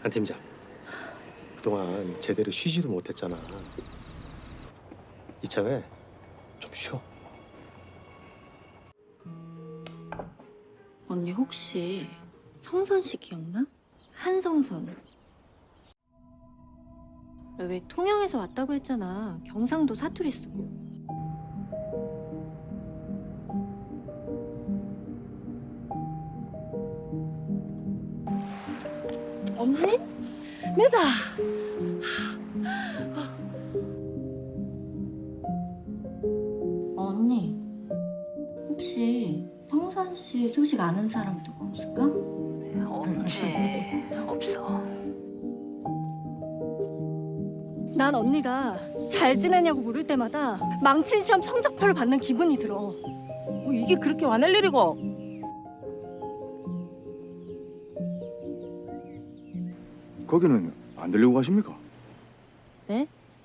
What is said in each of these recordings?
한 팀장, 그동안 제대로 쉬지도 못했잖아. 이참에 좀 쉬어. 언니 혹시 성선 씨 기억나? 한성선. 너 왜 통영에서 왔다고 했잖아. 경상도 사투리 쓰고. 언니? 내다. 언니, 혹시 성선 씨 소식 아는 사람 누구 없을까? 없지. 없어. 난 언니가 잘 지내냐고 물을 때마다 망친 시험 성적표를 받는 기분이 들어. 뭐 이게 그렇게 화낼 일이고. 거기는 안 들리고 가십니까? 네?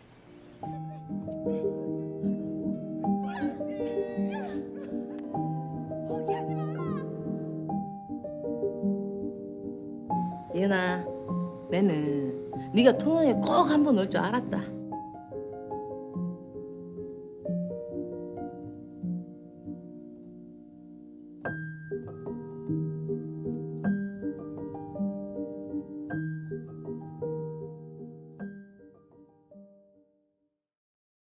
예은아, 내는 네가 통영에 꼭 한 번 올 줄 알았다.